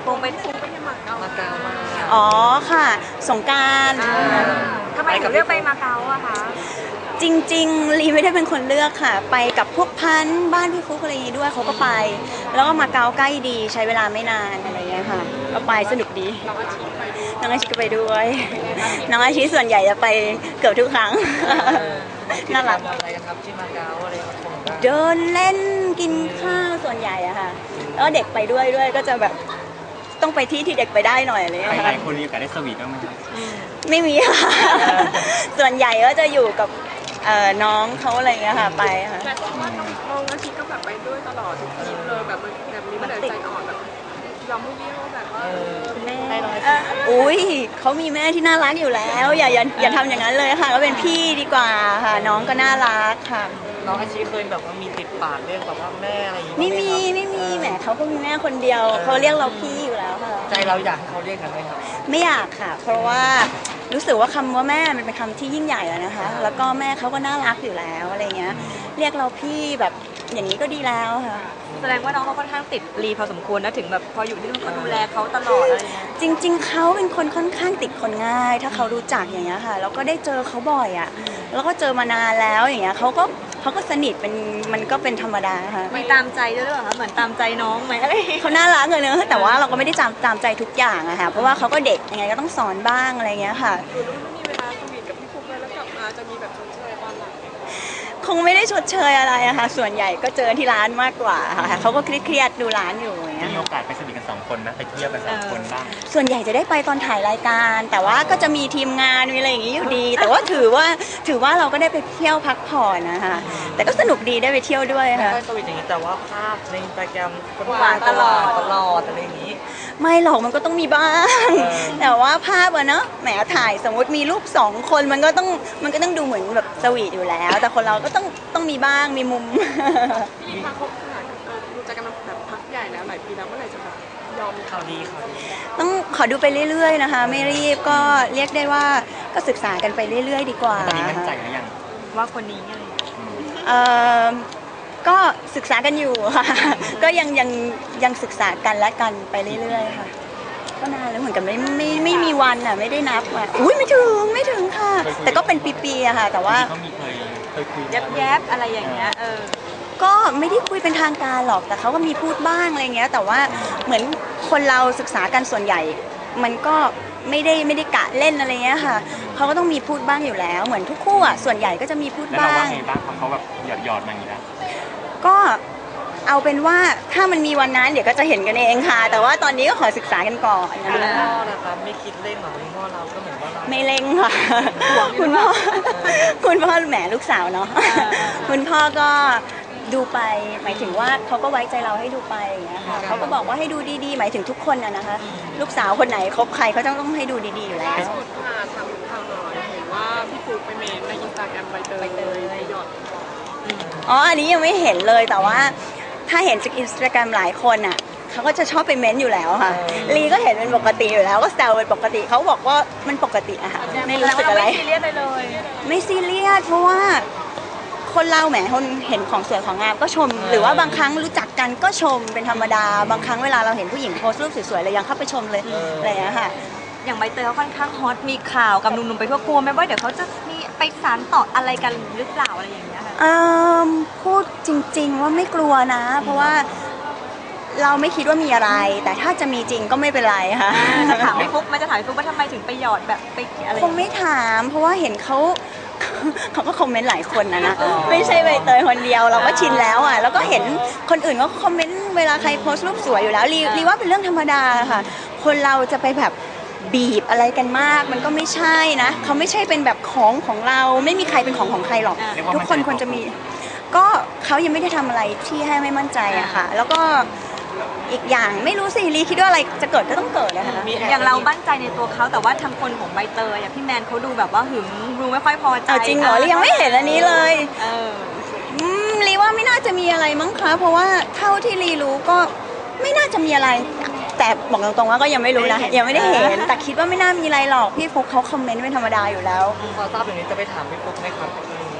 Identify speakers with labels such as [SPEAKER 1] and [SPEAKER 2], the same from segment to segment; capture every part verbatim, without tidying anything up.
[SPEAKER 1] คงไปคงไปยังมาเก๊ามาเก๊ามา
[SPEAKER 2] อ๋อค่ะสงกรานต์
[SPEAKER 1] ทำไมถึงเลือกไปมาเก๊าอะคะ
[SPEAKER 2] จริงๆลีไม่ได้เป็นคนเลือกค่ะไปกับพวกพันบ้านพี่ฟุ๊กอะไรอย่างนี้ด้วยเขาก็ไปแล้วก็มาเก๊าใกล้ดีใช้เวลาไม่นานอะไรอย่างเงี้ยค่ะก็ไปสนุกดีน้องอาชีก็ไปด้วยน้องอาชีส่วนใหญ่จะไปเกือบทุกครั้งน่ารัก
[SPEAKER 3] อะไรกันครับที่มาเก๊าอะไร
[SPEAKER 2] เดินเล่นกินข้าวส่วนใหญ่อะค่ะแล้วเด็กไปด้วยด้วยก็จะแบบต้องไปที่ที่เด็กไปได้หน่อยอะไรอย่างเงี้ย
[SPEAKER 4] หลายคนมีโอกาสได้สวีทบ้างไหมครับ
[SPEAKER 2] ไม่มีค่ะส่วนใหญ่ก็จะอยู่กับน้องเขาอะไรเงี้ยค่ะไปค่ะ
[SPEAKER 1] แต่ว่าน้องอาชีก็แบบไปด้วยตลอดทุกทริปเลยแบบแบบนี้มันใจอ่อนแบบยอมไม่เบี้ยวแบบว่า
[SPEAKER 2] แม่อุ้ยเขามีแม่ที่น่ารักอยู่แล้วอย่าอย่าอย่าทำอย่างนั้นเลยค่ะก็เป็นพี่ดีกว่าค่ะน้องก็น่ารักค่ะ
[SPEAKER 3] น้องอาชีเคยแบบว่ามีติดปากเรียกแบบว่าแม่อะไรอย่างงี้
[SPEAKER 2] ไม่มีไม่มีแหมเขาก็มีแม่คนเดียวเขาเรียกเราพี่อยู่แล้วค่ะ
[SPEAKER 3] ใจเราอยากให้เขาเรียกกันไหมครับ
[SPEAKER 2] ไม่อยากค่ะเพราะว่ารู้สึกว่าคำว่าแม่มันเป็นคำที่ยิ่งใหญ่แล้วนะคะแล้วก็แม่เขาก็น่ารักอยู่แล้วอะไรเงี้ยเรียกเราพี่แบบอย่างนี้ก็ดีแล้วค่ะ
[SPEAKER 1] แสดงว่าน้องเขาค่อนข้างติดลีพอสมควรนะถึงแบบพออยู่ที่นู่นก็ดูแลเขาตลอดอะไรเงี้ย
[SPEAKER 2] จริงๆเขาเป็นคนค่อนข้างติดคนง่ายถ้าเขารู้จักอย่างเงี้ยค่ะแล้วก็ได้เจอเขาบ่อยอ่ะแล้วก็เจอมานานแล้วอย่างเงี้ยเขาก็เขาก็สนิทเป็นมันก็เป็นธรรมดาค่ะ
[SPEAKER 1] ไม่ตามใจด้วยหรอคะเหมือนตามใจน้องไหมอะไร
[SPEAKER 2] เขาน่ารักเลยเนอะแต่ว่าเราก็ไม่ได้ตามตามใจทุกอย่างอะค่ะเพราะว่าเขาก็เด็กยังไงก็ต้องสอนบ้างอะไรเงี้ยค่ะ
[SPEAKER 1] คือไม่มีเวลาสวีทกับพี่ฟุ๊กเลยแล้วกลับมาจะมีแบบชดเชยความหลัง
[SPEAKER 2] คงไม่ได้ชดเชยอะไรอะค่ะส่วนใหญ่ก็เจอที่ร้านมากกว่าค่ะเขาก็เครียดๆดูร้านอยู่อย่างเงี้ย
[SPEAKER 4] มีโอกาสไปสนิทกันสองคนนะไปเที่ยวกันสองคนบ้าง
[SPEAKER 2] ส่วนใหญ่จะได้ไปตอนถ่ายรายการแต่ว่าก็จะมีทีมงานมีอะไรอย่างงี้อยู่ดีแต่ว่าถือว่าถือว่าเราก็ได้ไปเที่ยวพักผ่อนนะคะแต่ก็สนุกดีได้ไปเที่ยวด้วยค่ะ
[SPEAKER 3] ไม่สวีทอย่างนี้แต่ว่าภาพในอินสตาแกรมคนหวานตลอดตลอดอะไรอย่างนี้
[SPEAKER 2] ไม่หรอกมันก็ต้องมีบ้างแต่ว่าภาพอะเนาะแหมถ่ายสมมติมีรูปสองคนมันก็ต้องมันก็ต้องดูเหมือนแบบสวีทอยู่แล้วแต่คนเราก็ต้องต้องมีบ้างมีมุม
[SPEAKER 1] พี่พักคบขนาดรู้จักกันมาแบบพักใหญ่แล้วหลายปีแล้วเมื่อไหร่จะแบบยอม
[SPEAKER 3] ข่าวดีข่าวดี
[SPEAKER 2] ต้องขอดูไปเรื่อยๆนะคะไม่รีบก็เรียกได้ว่าก็ศึกษากันไปเรื่อยๆดีกว่า
[SPEAKER 4] ตอนนี้มั่นใจหรือยัง
[SPEAKER 1] ว่าคนนี้อะไร
[SPEAKER 2] เอ่อก็ศึกษากันอยู่ค่ะก็ยังยังยังศึกษากันและกันไปเรื่อยๆค่ะก็นานแล้วเหมือนกันไม่ไม่ไม่มีวันอ่ะไม่ได้นับอ่ะอุ้ยไม่ถึงไม่ถึงค่ะแต่ก็เป็นปีๆอะค่ะแต่ว่า
[SPEAKER 4] เขามีเคยเคยคุย
[SPEAKER 1] แยบๆอะไรอย่างเงี้ยเออ
[SPEAKER 2] ก็ไม่ได้คุยเป็นทางการหรอกแต่เขาก็มีพูดบ้างอะไรเงี้ยแต่ว่าเหมือนคนเราศึกษากันส่วนใหญ่มันก็ไม่ได้ไม่ได้กะเล่นอะไรเงี้ยค่ะเขาก็ต้องมีพูดบ้างอยู่แล้วเหมือนทุกคู่อ่ะส่วนใหญ่ก็จะมีพูดบ้าง
[SPEAKER 4] แล้วเราว่าไงบ้างเขาแบบหยอดหยอดมาอย่างนี้แล้ว
[SPEAKER 2] ก็เอาเป็นว่าถ้ามันมีวันนั้นเดี๋ยวก็จะเห็นกันเองค่ะแต่ว่าตอนนี้ก็ขอศึกษากันก่อน
[SPEAKER 3] คุณพ่อนะครับไม่คิดเล่นหรอคุณพ่อเราก็เหมือนว่าเรา
[SPEAKER 2] ไม่เล่นค่ะคุณพ่อคุณพ่อแหมลูกสาวเนาะคุณพ่อก็ดูไปหมายถึงว่าเขาก็ไว้ใจเราให้ดูไปอย่างเงี้ยค่ะเขาก็บอกว่าให้ดูดีๆหมายถึงทุกคนนะนะคะลูกสาวคนไหนคบใครเขาต้องต้องให้ดูดีๆอยู่แล้ว
[SPEAKER 1] สุดค่ะทำข่าวหน่อยเห็นว่าพี่ฟุ๊กไปเมนในอินสตาแกรมใบเตยไปหยอด
[SPEAKER 2] อ๋ออันนี้ยังไม่เห็นเลยแต่ว่าถ้าเห็นจากอินสตาแกรมหลายคนอ่ะเขาก็จะชอบไปเม้นอยู่แล้วค่ะลีก็เห็นเป็นปกติอยู่แล้วก็แซวเป็นปกติเขาบอกว่ามันปกติอะค่ะไม่รู้สึกอะไร
[SPEAKER 1] ไม่ซีเรียสเลย
[SPEAKER 2] ไม่ซีเรียสเพราะว่าคนเราแหมคนเห็นของสวยของงามก็ชมหรือว่าบางครั้งรู้จักกันก็ชมเป็นธรรมดาบางครั้งเวลาเราเห็นผู้หญิงโพสต์รูปสวยๆเลยยังเข้าไปชมเลยอะไรอย่างเงี้ยค่ะ
[SPEAKER 1] อย่างใบเตยเขาค่อนข้างฮอตมีข่าวกับหนุ่มๆไปทั่วกลัวไหมว่าเดี๋ยวเขาจะมีไปสานต่ออะไรกันหรือเปล่าอะไรอย่างเงี้ยค่ะ
[SPEAKER 2] พูดจริงๆว่าไม่กลัวนะเพราะว่าเราไม่คิดว่ามีอะไรแต่ถ้าจะมีจริงก็ไม่เป็นไรค่ะ
[SPEAKER 1] จะถามพี่ฟุ๊กมันจะถามพี่ฟุ๊กว่าทำไมถึงไปหยอดแบบไปอะไร
[SPEAKER 2] คงไม่ถามเพราะว่าเห็นเขาเขาก็คอมเมนต์หลายคนนะนะไม่ใช่ใบเตยคนเดียวเราก็ชินแล้วอ่ะแล้วก็เห็นคนอื่นก็คอมเมนต์เวลาใครโพสต์รูปสวยอยู่แล้วรีว่าเป็นเรื่องธรรมดาค่ะคนเราจะไปแบบบีบอะไรกันมากมันก็ไม่ใช่นะเขาไม่ใช่เป็นแบบของของเราไม่มีใครเป็นของของใครหรอกทุกคนควรจะมีก็เขายังไม่ได้ทำอะไรที่ให้ไม่มั่นใจอะค่ะแล้วก็อีกอย่างไม่รู้สิลีคิดว่าอะไรจะเกิดก็ต้องเกิดนะคะ
[SPEAKER 1] อย่างเรามั่นใจในตัวเขาแต่ว่าทางคนของใบเตยอย่างพี่แมนเขาดูแบบว่าหึงดูไม่ค่อยพอใจ
[SPEAKER 2] จริงเหรอลียังไม่เห็นอันนี้เลยลีว่าไม่น่าจะมีอะไรมั้งคะเพราะว่าเท่าที่ลีรู้ก็ไม่น่าจะมีอะไรแต่บอกตรงๆว่าก็ยังไม่รู้นะยังไม่ได้เห็นแต่คิดว่าไม่น่ามีอะไรหรอกพี่ฟุ๊กเขาคอมเมนต์เป็นธรรมดาอยู่แล้ว
[SPEAKER 3] พอทราบอย่างนี้จะไปถามพี่ฟุ๊กไหมครับ
[SPEAKER 2] ค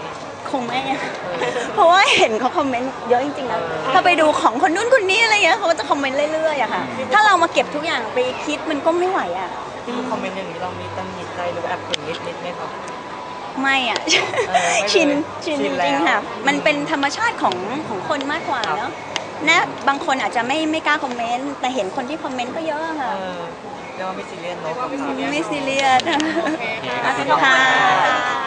[SPEAKER 2] คงไม่อะเพราะว่าเห็นเขาคอมเมนต์เยอะจริงๆนะถ้าไปดูของคนนู้นคนนี้อะไรเงี้ยเขาก็จะคอมเมนต์เรื่อยๆอะค่ะถ้าเรามาเก็บทุกอย่างไปคิดมันก็ไม่ไหวอะ
[SPEAKER 3] ที่คอมเมนต์อย่างนี้เรามีตังหงิดใจหรือว่าแอบขุ่นนิดนิดไหมคะ
[SPEAKER 2] ไม่อะ
[SPEAKER 3] เออไม่เลย
[SPEAKER 2] ชินชิน
[SPEAKER 3] ชิ
[SPEAKER 2] จ
[SPEAKER 3] นแล้ว
[SPEAKER 2] ริงๆค่ะมันเป็นธรรมชาติของของคนมากกว่าเนาะนะบางคนอาจจะไม่ไม่กล้าคอมเมนต์แต่เห็นคนที่คอมเมนต์ก็เยอะ
[SPEAKER 3] เอ
[SPEAKER 2] ค่ะ
[SPEAKER 3] อเรียกว่าไม่ซีเรียสเนาะ
[SPEAKER 2] ไม่ซีเรียส
[SPEAKER 1] โอเคค่ะ
[SPEAKER 2] ค่ะ